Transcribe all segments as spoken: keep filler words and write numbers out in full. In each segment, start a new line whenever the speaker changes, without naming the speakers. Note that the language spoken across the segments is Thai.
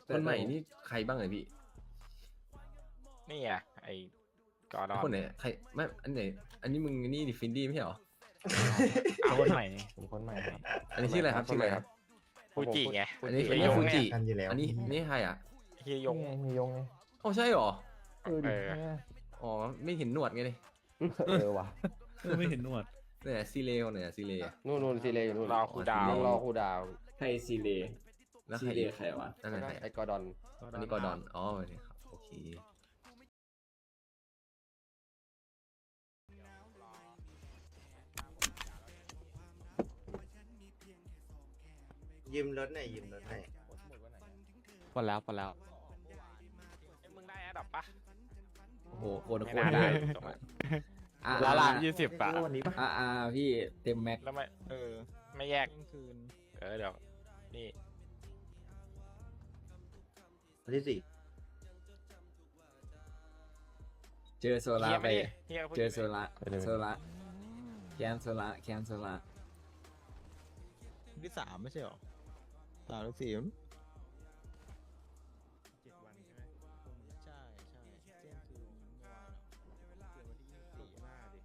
คนใหม่นี่ใครบ้างเลยพี่
นี่ไงไอ้กอร์ดอน
คนไหนใครไม่อันไหนอันนี้มึงนี่ดิฟินดี้ไม่ใช่เหรอ
เอาคนใหม่
ผมคนใหม่ครับ
อันนี้ชื่ออะไรครับชื่ออะไรครับ
ฟูจิไง
อันนี้
เฮี
อัน
ย
นี้
ยง
ฟู
ไง
จิ
กันอยู่แล้ว
อันนี้อันนี้ใครอ่ะ
เฮียยง
ไงมียงไง
อ๋อใช่เหรอ
เออดิ
เออ
อ๋อไม่เห็นหนวดไงเลย
เออว่ะ
ไม่เห็นหนวด
เนี่ยซีเลคนไหนอะซีเลอะ
นู่นนู่นซีเลอยู่นู่น
รอครูดาว
อ๋
ต้องรอครูดาว
ไฮซีเล
แล้วใค
ซี
ร
เล
อีก
ใครวะ
นั่น
แล้ว
ไหน
ก็
ใคร
ไอ้กอร์ดอน
อันนี้กอร์ดอนอ๋อโอเคครับโอเค
ยืมรถหน่อยยืมรถหน่อย
พอแล้วพอแล้ว
เอ้ยมึงได้แอดดับปะ
โอ้โหโคนโค
ไม่
น
น่า
ได้
ได้จบละ
อ่า
ละละยี่สิบอะ
วันนี้ปะ
อ่าอ่าพี่เต็มแม็ก
แล้วไม่เออไม่แยกคืนเออเดี๋ยวนี่
วันที่สี่
เจอโซล่า
เฮีย
ไป
ไม่ได้เฮียพิ่ง
เจอโซล่าโซล่าแคนโซล่าแคนโซล่า
ที่สามไม่ใช่หรอสามหรือสี่มั้ง
เจ็ดวันใช่ไหม
ใช่ใช่เที่ยงคืนเมื่อวานอะเกิดวันที่ยี่สิบสี่
หน้าดิ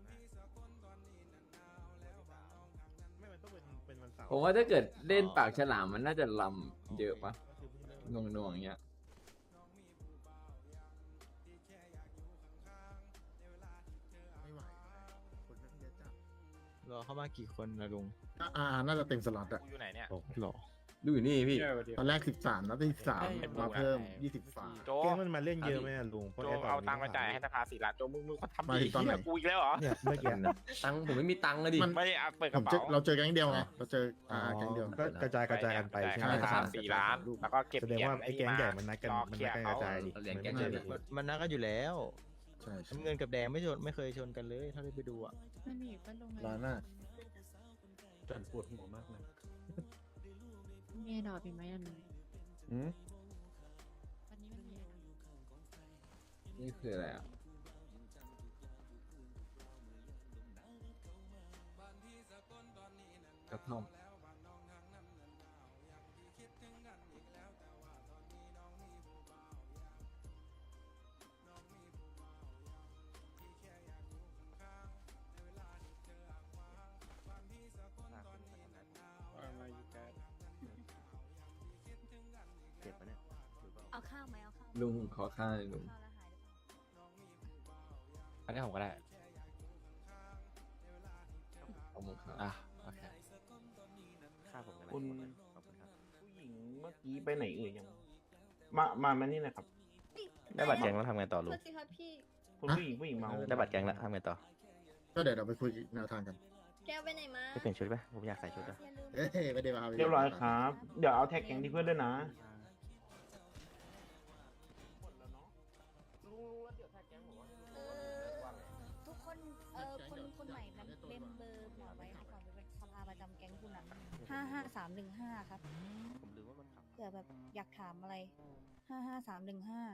ไม่มันต้องเป็นเป็นวันเสาร์ผมว่าถ้าเกิดเล่นปากฉลามมันน่าจะลำเยอะปะหน่วงหน่วงๆอย่างเงี้ยไม่ไหวคนนั่งเยอะจัด
รอเข้ามากี่คนนะลุง
อ่า น่าจะเต็มสล็อตอะ
กูอยู่ไหนเนี่ย
หรอ
ดูอยู่นี่พี่
ตอนแรกสิบสามแล้วได้สิบสาม
เอ้ย
มาเพิ่ม
เอ้ย
ยี่สิบสาม
โจ
เกมมันมาเล่นเยอะไหมอะลุง
โจเอาตังค์มาจ่ายให้สภาสี่ล้านโจมึงมึงเขาทำ
มา
ดี
ถึงตอนไหน
เหี้ยกูอีกแล้วเหรอ
เนี่ยเมื่อกี้
ตังค์ผมไม่มีตังค์เลยดิ
มัน
ไม่ได้เอาเปิดก
ผ
ระ
ม
เป๋า
เจอเราเจอแก๊งเดียวไง เราเจออ่าแก๊งเดียว
ก็กระจาย
กระจายกันไปใช่ไหมสามสี่ล้านแล้วก็เก็บ
แสดงว่าไอ้แก๊งใหญ่มันนัดกัน
รอ
มัน
เคลี
นั
ย
ด
ร์
กันก
เขา
ระจายดิ
เหรียญแก๊ง
มัน
เจ
ไม่
อ
ได้
มันมันนัดกันอยู่แล้ว
ใช่ใช่
น้ำเงินกับแดงไม่ชนไม่เคยชนกันเลยเท่าที่ไปดูอ่ะ
มันมีปะลง
ร้านหน้า
จนปวดหัวมากเลย
มีดอกอีกไหมอันนี้
อืม
วันนี้มันมีอะไร
นี่คืออะไรอ่ะกระท่อม
เจ็บปะเนี่ย
เอาข้าวไหมเอาข้าว
ลุงขอข้าวหน่อยลุง
ข้าวแล้วหายหรือเปล่า
อันนี้ผมก็ได้
ขอบคุณครับ
อ่ะโอเค
ค่าผมกันนะ
คุณ
ขอบคุณครับ
ผู้หญิงเมื่อกี้ไปไหนเอ่ยยัง มามามานี่หนะครับ
ได้บัตรแกงแล้วทำไงต่อลุง
โทษสิครับพี่
คุณผู้หญิงผู้หญิงเมา
ได้บัตรแกงแล้วทำไงต่อ
ก็เดี๋ยวเราไปคุยแนวทางกัน
แก้วไปไหนมา
ไปเปลี่ยนชุดไหมผมอยากใส่ชุดอะ
อย่าลืม
เอ้ยไม่ได้มา
เรียบร้อยครับ เดี๋ยวเอาแท็กแก๊งที่เพื่อนด้วยนะ
เออทุกคนเออคนคนใหม่มันเมมเบอร์หมอไว้ให้ก่อนเป็นสภาประจำแก๊งคุณนะห้าห้าสามหนึ่งห้าครับ
ผมลืมว่ามันขับ
เผื่อแบบอยากถามอะไรห้าห้าสามหนึ่งห้า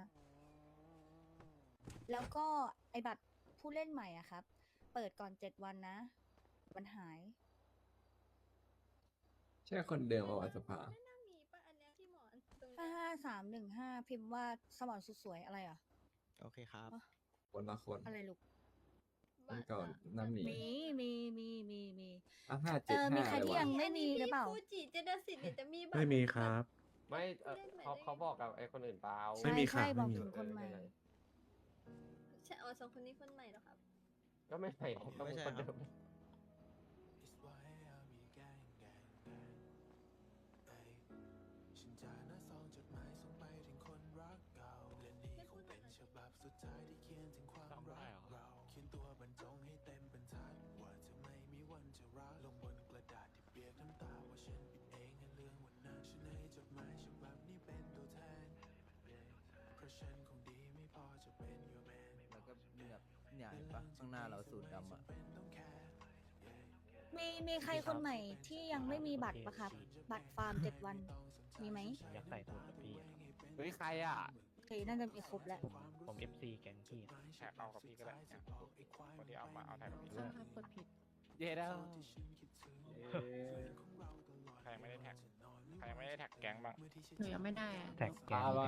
แล้วก็ไอบัตรผู้เล่นใหม่อ่ะครับ เปิดก่อนเจ็ดวันนะ มันหาย
ใช่คนเดิมเอาวัสภา
ห้าห้าสามหนึ่งห้าพิมพ์ว่าสมอนสุดสวยอะไรอ่ะ
โอเคครับ
คนละคน
อะไรลูก
คนก่อนน้ำหนี
มีมีมีมีมี
อ่ะห้า
เอ
เจ็ด
อมี
ห้า
ใคร
เลย
ที่
วะ
ยังไม่มีหรือเปล่า
ฟูจิเจดสิทธิ์จะมีบัตร
ไม่มีครับ
ไม่เอ่อเขาเขาบอกกับไอ้คนอื่นเปล่า
ใช่ใช่บอกถึงคนใหม่
ใช่เอาสองคนนี้คนใหม่เหรอครับ
ก็ไม่ใช่ก็
ไม่
เป็น
ใช่
คน
ครั
เดิ
บ
ม
แล้วก็แบบเนี่ยเห็นปะข้างหน้าเราสูตรดำอ่ะ
มีมีใครคนใหม่ที่ยังไม่มีบัตรปะครับ บัตรฟาร์มเจ็ดวัน มีไหม
อยากใส่สูตรกับพี่
เฮ้ยใครอ่ะ
โอเคน่าจะมีครบแล้ว
ผม เอฟ ซี แกงพี่แท็กเอากับพี่ก็ได้เนี่ยคนที่เอามาเอาแท็กกับพี่
ใช่ครับกดผิด
เย้แล้ว
ใครไม่ได้แท็กใครยังไม่ได้แท็กแก๊งบ้าง
หนูยังไม่ได้อะ
แท็กแกง
อะไร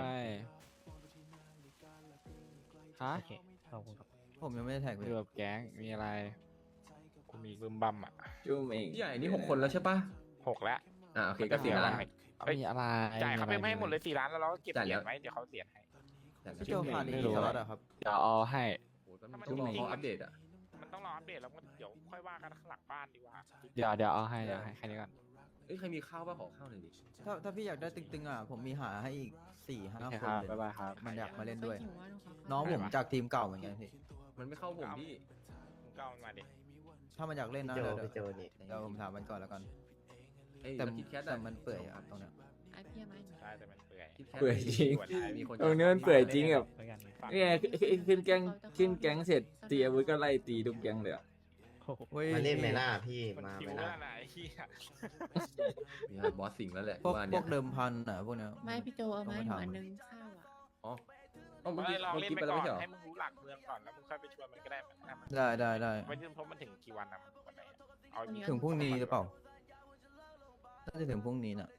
ฮะ
ขอบคุณครับ
ผมยังไม่ได้แท็กเลย
เกือบแก๊งมีอะไร
กูมีบึมบัมอ่ะ
จุ้มเอง
พี่ใหญ่นี่หกคนแล้วใช่ปะ
หกแล้ว
อ่าโอเคก็สี่ล้าน
เอ้ย
มีอะไร
จ่ายเขาไป
อะร
ให้หมดเลยสี่ล้านแล้วเราก็เก็บ
จ่าย
เหรี
แล้
ยว ญไว้เดี๋ยวเขาเสียให้
พี่โจขาดอีก
ไม่
กี่
รู้
สล็อตอะครับ
เดี๋ยวเอาให้
โอ้โหมันต้องรอเขาอัปเดตอ่ะ
มันต้องรออัปเดตแล้วก็เดี๋ยวค่อยว่ากันข้างหลังบ้านดีกว่า
เดี๋ยวเดี๋ยวเอาให้เดี๋ยวให้แค่นี้ก่อน
เอ้ยใครมีข้าวบ้างขอข้าวหน่อยดิ
ถ้าถ้าพี่อยากได้ตึงๆอ่ะผมมีหาให้อีกสี่ห้า
โอเค
ค
คน รับ
เลย
บ๊ายบายครับ
มันอยากมาเล่นด้วย
ไม่หิวอะหนูขอข้าว
น้องผมจากทีมเก่าเหมือนกันพี่
มันไม่เข้าผมพี่
มึงก็เอามันมาดิ
ถ้ามันอยากเล่นนะ
พี่โจ
เดี๋ยว
พี่โจนี่
เดี๋ยวผมถามมันก่อนแล้วกัน
ไอ้
แต่
คิดแคท
แต่มันเปื่อยอะครับตรงเนี้ย
ไอ้พี่เอาไหมหนู
ใช่แต่มันเปื่อย
เปื่อยจริง
มีคน
ตรงนี้มันเปื่อยจริงแบบ
แล้วกัน
เนี่ยขึ้นแก๊งขึ้นแก๊งเสร็จตีอาวุธก็ไล่ตีทุกแก๊งเลยอะ
เฮ้ย
มาเล่นไหมล่ะพี่
มัน
มา
คิ
ไห
ว
ม
แล้
ล่ะ
วนะไอ้เหี้ย
มีบอสสิงแล้วแหละ
พวก
ว่า
พ
เนี่
วย กเดิมพันอ่ะพวกเนี้ย
ไม่พี่โจเอาไหม
ต้อง
หนู
มาถาม
อันนึงข้าวอ่ะ
อ๋อต้องมึง
ไม่ลอง
มึง
เล่น
คิด
ไป
ไปแล้ว
ก่อ
ไม่
น
ใช่เหรอ
ให้มึงรู้หลักเมืองก่อนแล้วมึงค่อยไปชวนมันก็ได้มันมัน
ได้ได้ได้
ไม่ยืมเพราะมันถึงกี่วันนะมันวันไหนอะเอา
ถึงพรุ่งนี้หรือเปล่าน่าจะถึงพรุ่งนี้น่ะ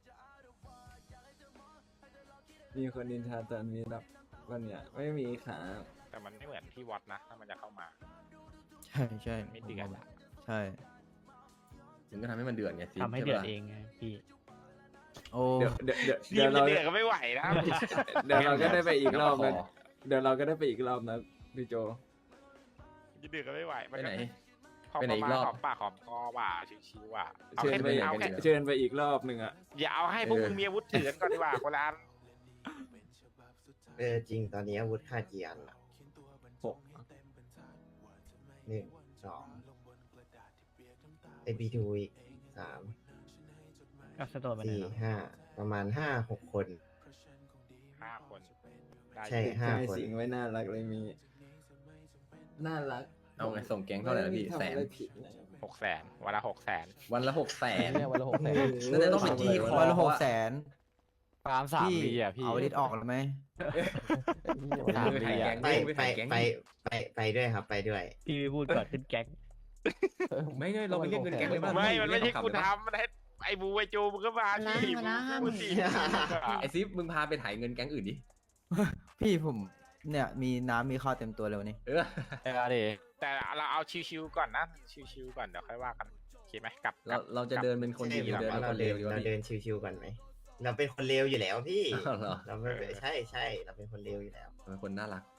มีคนนินทาตอนนี้แบบวันเนี้ยไม่มีขา
แต่มันไม่เหมือนที่วัดนะถ้ามันจะเข้ามา
ใช่ใช่
ไม่เดือดอะ
ใช่
มึงก็ทำให้มันเดือดไงสิ
ทำให้เดือดเองไงพี่
โอ้
เดี๋ยวเดี๋ยวเดี๋ยว
ที
เดี๋ยว
ม
เรา
จะเดือดก็ไม่ไหวนะ
เดี๋ยวเราก็ได้ไปอีกรอบ
แล้
นะเดี๋ยวเราก็ได้ไปอีกรอบนะพี่โจ
จะเดือดก็ไม่ไหว
ไปไหน
พอ
ไปไหน
ประ
อี
มาณ
กรอบ
หอมปากหอมคอว่ะชิวๆว่ะเอา
เชิญ
ให้
ไป
มึง
อีก
เอาแค่
เชิญไปอีกรอบหนึ่งอ่ะ
อย่าเอาให้พวก
เออ
มึงมีอาวุธถือกันก่อนดีกว่าคนละอัน
เออจริงตอนนี้อาวุธค่าเกียร์ละ
หก
หนึ่งสองไอพีทูอีกสาม
ก็สะดวกไปไหน
สี่
เนาะ
ห้าประมาณห้าหกคน
ห้าคนได้
ใช่
อยู่
ห้า
ใจ
คน
สิงไว้น่ารักเลยมี น่ารัก
เอาไงส่งแก๊งเท่าไหร่นะพี่
ม่มี
แสน
ทำอะไรผิดนะ
หกแสนวันละหกแสน
วันละหกแสน
เนี่ยวันละหกแสน
นั่นจะต้องไปจี้คอ
วันละหกแสน
ฟาร์มสาม
พี่
ปีอ่ะพี่
เอาลิตออกแล้วไหม
สาม
ไป
ปี
ถ่ายแก๊
อ่ะ
ง
ไป
ไป
ไป
ถ่ายแก๊ง
ไปไปไปด้วยครับไปด้วย
พี่ไม่พูดก่อนขึ้นแก๊ง
ไม่ไงเราไปเรียกเงินแก๊งเลยป่ะ
ไม่มันไม่ใช่
เรีย
กู
ขำๆเลยปะ
ทำมันให้ไอ้บูไอ้โจมึงก็มา
ละ
ที่
มาละห้าห
พู
มื่
ด
น
สิ
ไอซิฟมึงพาไปถ่ายเงินแก๊งอื่นดิ
พี่ผมเนี่ยมีน้ำมีข้าวเต็มตัวเลยวันนี้
เออ
เออดิ
แต่เราเอาชิวๆก่อนนะชิวๆก่อนเดี๋ยวค่อยว่ากันโอเคไหมกลับ
เราเราจะเดินเป็นคนดี
ใช่
หรือเดิน
แบบ
เป็น
ว่า
ค
เรา
นเล
เดิ
วน ดีวะ
เรา
พี่
เดินชิวๆกันไหมเราเป็นคนเลวอยู่แล้วพี่
อ้าวเหรอ
เราไม่ใช่ใช่เราเป็นคนเลวอยู่แล้ว
เป็นคนน่ารัก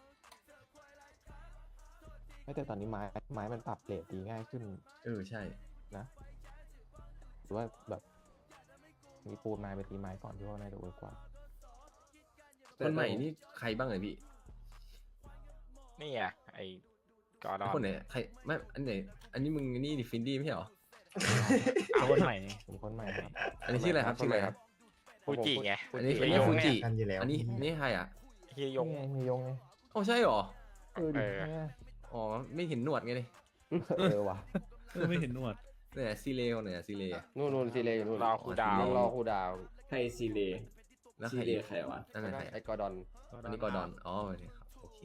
ไม่แต่ตอนนี้ไม้ไม้มันปรับเรทดีง่ายขึ้น
เออใช่
นะหรือว่าแบบมีปูนไม้ไปตีไม้ก่อนที่ว่าน่าจะเวิร์กกว่า
คนใหม่นี่ใครบ้างเลยพี่
นี่อ่ะไอ้กอร์ดอน
คนไหนใครไม่อันไหนอันนี้มึงนี่ดิฟินดี้ไม่ใช่เหรอ
เอาคนใหม่ผมคนใหม่ครับ
อันนี้ชื่ออะไรครับชื่ออะไรครับ
ฟูจิไง
อันนี้
เฮี
อัน
ย
นี้
ยง
ฟู
ไง
จิ
กันอยู่แล้ว
อันนี้นี่ใครอ่ะ
เฮียยง
นี่ไงมียงไง
โอ้ใช่เหรอ
เออดิ
เออ
เนี่ย
อ๋อไม่เห็นหนวดไงเลย
เออว่ะ
ไม่เห็นหนวด
เนี่ยซีเลคนไหนอะซีเลอะ
นู่นนู่นซีเลอยู่นู่น
รอครูดาว
ต้องรอครูดาว
ใครซีเล
แล้ว
ซี
ใคร
เล
อีก
ใครวะ
นั่นไหนใคร
ไอ้กอร์ดอน
อันนี้กอร์ดอนอ๋อโอเคครับโอเค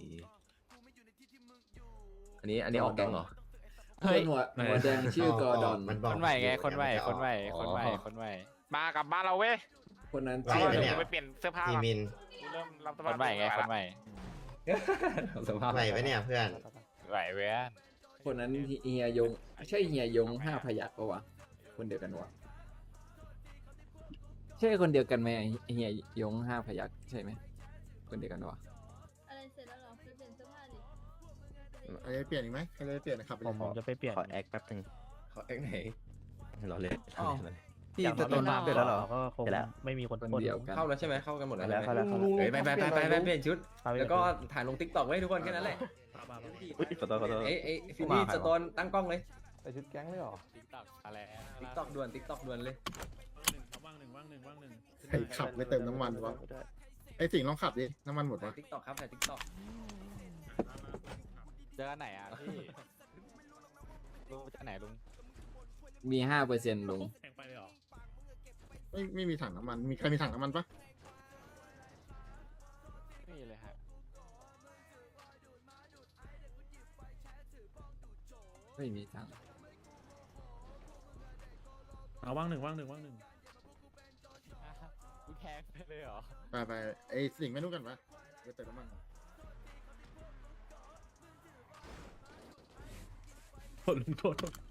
อันนี้อันนี้ออกแก๊งเหรอ
เฮ้ยหัวหัวแดงชื่อกอร์ดอน
มันบอก
คนใหม่ไง
อยู่
คนใหม่
เดี๋ยว
คนใหม่
อ๋อ
คนใหม่คนใหม่มากลับบ้านเราเว้ย
คนนั้น
ไหว
ชื่อ
ไหม
เดี๋
เนี่ย
ยวไปเปลี่ยนเสื้อผ้า
ที
ก่อน
มิน
เริ่มรับส
ค
มัคน ร
ใหม่ไงคนใหม่
สภาพ
ไหวปะเนี่ยเพื่อน
ไหวเว้ย
คนนั้นเฮียยงใช่เฮียยงห้าพยัคฆ์ปะวะคนเดียวกันวะใช่คนเดียวกันไหมเฮียยงห้าพยัคฆ์ใช่ไหมคนเดียวกันวะ
อะไรเสร็จแล้วเหรอไปเปลี่ยนเสื้อผ้าดิ
อะไรเปลี่ยนอีกไหมอะไรเปลี่ยนนะครับ
ผมผมจะไปเปลี่ยนขอแอคแป๊บนึง
เขาแก๊งไหน
รอเล่น
อ้าว
รอเล่น
พี่สโตนเปลี่ยนแล้วเหรอ
ก็คง
เสร็จแล้ว
ไม่มีคน
คน
ปล้น
เดียวกัน
เข้าแล้วใช่ไหมเข้ากันหมดแล้ว
แล้ว
ใช่ไหม
เข้าแล้วเข้าแล้ว
เฮ้ยไปไปไปไปไปเปลี่ยนชุด
เข้าไป
แล้วก็ถ่ายลงติ๊กต็อกไว้ทุกคนแค่นั้นแหละ
อุ๊ยขอโทษขอโทษ
เอ้ยเอ้ยฟินดี้สโตนตั้งกล้องเลย
ใส่ชุดแก๊งเลยเหรอ
ติ๊กต็อกอะไร
ติ๊กต็อกด่วนติ๊กต็อกด่วนเลย
ใครขับไม่เติมน้ำมันวะไอสิ่งลองขับดิน้ำมันหมด
ถ่ายว
ะ
ติ๊กต็อกครับถ่ายติ๊กต็อก
เจอกันไหนอ่ะพี่ลุงเจอไหนลุง
มีห้าเปอร์เซ็นต์ลง
ไม่ไม่มีถังน้ำมัน มีใครมีถังน้ำมันปะ
ไม่มีเลยฮะ
ไม่มีทาง
เอาว่างหนึ่งว่างหนึ่งว่างหนึ่ง
อ่าฮะงไปเลยเหรอ
ไปไปไอสิ่งไม่รู้กันปะไปเติมน้ำมันก่อน
ลุงโทษ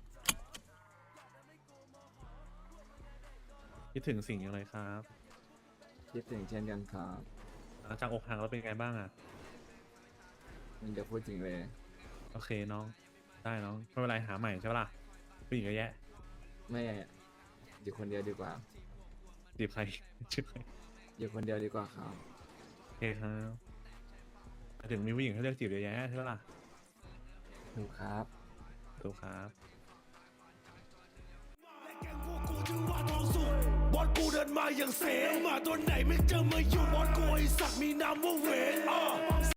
คิดถึงสิ่งอย่างไรครับ
คิดถึงเช่นกันครับ
หลังจากอกหักแล้วเป็นไงบ้างอ่ะ
มันจะพูดจริงเลย
โอเคน้อง ได้น้องไม่เป็นไรหาใหม่ใช่ปะล่ะผู้หญิงเยอะแยะ
ไม่อยู่คนเดียวดีกว่า
จีบใคร ชื่อใคร
อยู่คนเดียวดีกว่าครับ
โอเคครับไปถึงมีผู้หญิงให้เลือกจีบเยอะแยะใช่ปะล่ะ
ถูกครับ
ถูกครับ
บอสกูเดินมาอย่างเสมาตัวไหนไม่เจอมาอยู่บอสกูไอสัตว์มีนามว่าเวน